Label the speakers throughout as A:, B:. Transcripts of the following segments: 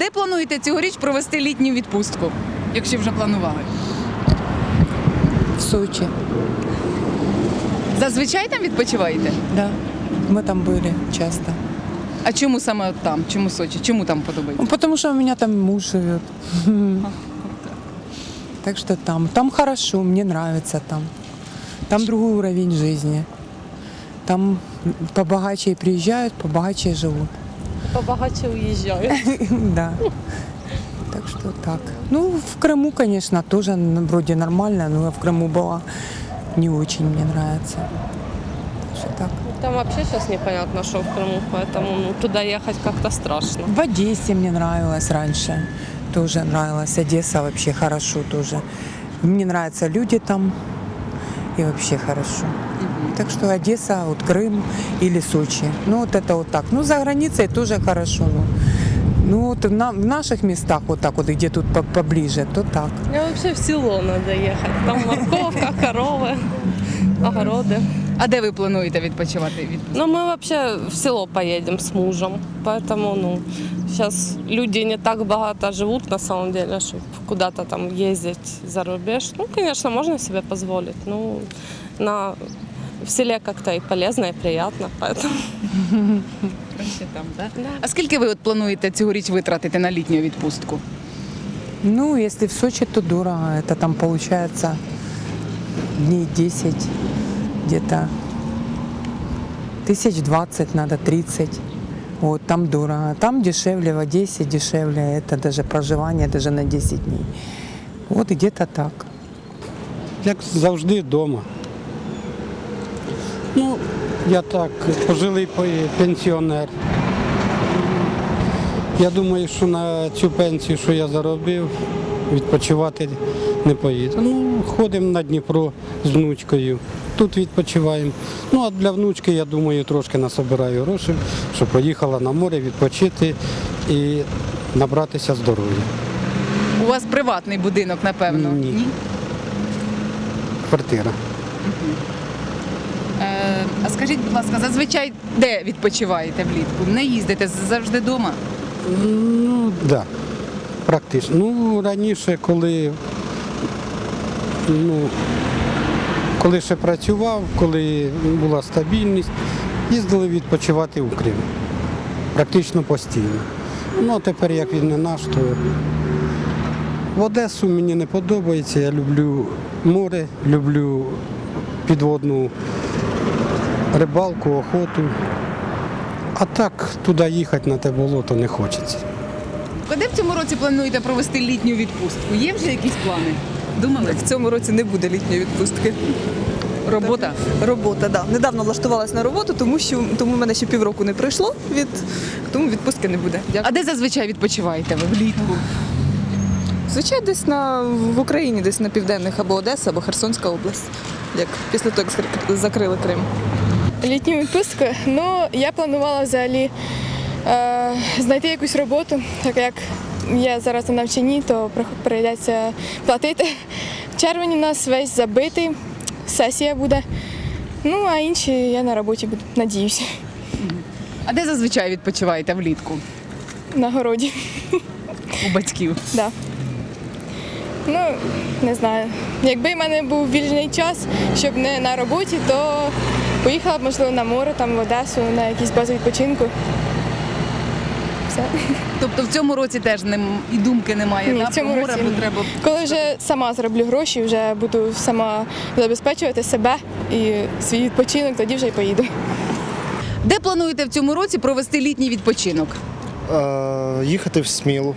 A: де плануєте цьогоріч провести літню відпустку, якщо вже планували?
B: В Сочи,
A: Зазвичай там відпочиваєте?
B: да. Мы там были часто.
A: А чому саме от там? Чому Сочі? Чому там подобається?
B: Ну, потому что у меня там муж живет. Так что там. Там хорошо, мне нравится там. Там другой уровень жизни. Там побогаче приезжают, побогаче живут.
C: Побагаче уїжджають.
B: Да. Так что так. Ну, в Крыму, конечно, тоже вроде нормально, но я в Крыму была. Не очень мне нравится. Так что так.
C: Там вообще сейчас непонятно, что в Крыму, поэтому туда ехать как-то страшно.
B: В Одессе мне нравилось раньше. Тоже нравилось. Одесса вообще хорошо тоже. Мне нравятся люди там. И вообще хорошо. Так что Одесса, вот Крым или Сочи. Ну вот это вот так. Ну за границей тоже хорошо. Ну вот в наших местах вот так вот, где тут поближе, то так.
C: Мне вообще в село надо ехать. Там морковка, коровы, огороды.
A: А де ви плануєте відпочивати?
C: Но мы вообще в село поедем с мужем. Поэтому, сейчас люди не так богато живут на самом деле, чтобы куда-то там ездить за рубеж. Ну, конечно, можно себе позволить. Ну, в селе как-то и полезно, и приятно, поэтому...
A: Ще там, да? А скільки ви от плануєте цьогоріч витратити на літню відпустку?
B: Ну, если в Сочи, то дорого. Это там получается дней 10 где-то. 1020 надо, 30. Вот, там дорого. Там дешевле, в Одессе дешевле. Это даже проживание даже на 10 дней. Вот где-то так.
D: Як завжди, вдома. Ну, я так, пожилий пенсіонер. Я думаю, що на цю пенсію, що я заробив, відпочивати не поїду. Ну, ходимо на Дніпро з внучкою, тут відпочиваємо. Ну, а для внучки, я думаю, трошки насобираю грошей, щоб поїхала на море відпочити і набратися здоров'я.
A: У вас приватний будинок, напевно?
D: Ні. Квартира.
A: А скажіть, будь ласка, зазвичай де відпочиваєте влітку? Не їздите завжди вдома?
D: Ну, так, да, практично. Ну, раніше, коли ще працював, коли була стабільність, їздили відпочивати в Крим. Практично постійно. Ну, а тепер, як він не наш, то в Одесу мені не подобається. Я люблю море, люблю підводну рибалку, охоту. А так туди їхати на те болото не хочеться.
A: Куди в цьому році плануєте провести літню відпустку? Є вже якісь плани? Думали?
E: В цьому році не буде літньої відпустки.
A: Робота?
E: Робота, так. Да. Недавно влаштувалась на роботу, тому в мене ще півроку не пройшло, тому відпустки не буде.
A: А де зазвичай відпочиваєте ви влітку?
E: Звичайно, десь в Україні, десь на південних або Одеса, або Херсонська область, як після того, як закрили Крим.
F: Літню відпустку? Ну, я планувала взагалі знайти якусь роботу, так як я зараз на навчанні, то прийдеться платити. В червні у нас весь забитий, сесія буде. Ну, а інші я на роботі буду, надіюся.
A: А де зазвичай відпочиваєте влітку?
F: На городі.
A: У батьків?
F: Да. Ну, не знаю. Якби в мене був вільний час, щоб не на роботі, то поїхала б, можливо, на море, там, в Одесу, на якісь бази відпочинку. Все.
A: Тобто в цьому році теж і думки немає,
F: Ні,
A: да?
F: в цьому
A: Про море,
F: році
A: бо
F: ні.
A: треба...
F: Коли вже сама зароблю гроші, вже буду сама забезпечувати себе і свій відпочинок, тоді вже й поїду.
A: Де плануєте в цьому році провести літній відпочинок?
G: Їхати в Смілу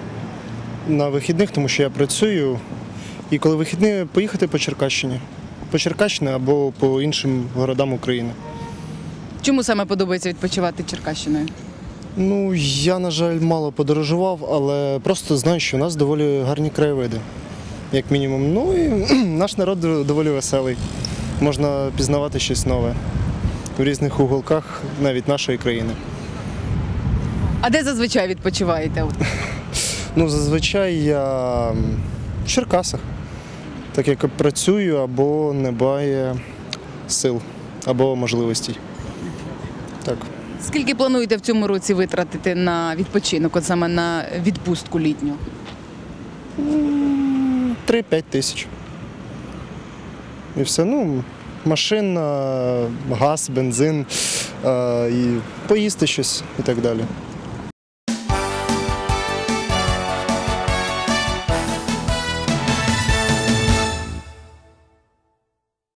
G: на вихідних, тому що я працюю. І коли вихідні, поїхати по Черкащині. По Черкащині або по іншим городам України.
A: Чому саме подобається відпочивати Черкащиною?
G: Ну, я, на жаль, мало подорожував, але просто знаю, що у нас доволі гарні краєвиди, як мінімум. Ну і наш народ доволі веселий. Можна пізнавати щось нове в різних уголках навіть нашої країни.
A: А де зазвичай відпочиваєте?
G: Ну, зазвичай я в Черкасах, так як працюю або немає сил, або можливостей. Так.
A: Скільки плануєте в цьому році витратити на відпочинок, от саме на відпустку літню?
G: 3-5 тисяч. І все. Ну, машина, газ, бензин, і поїсти щось і так далі.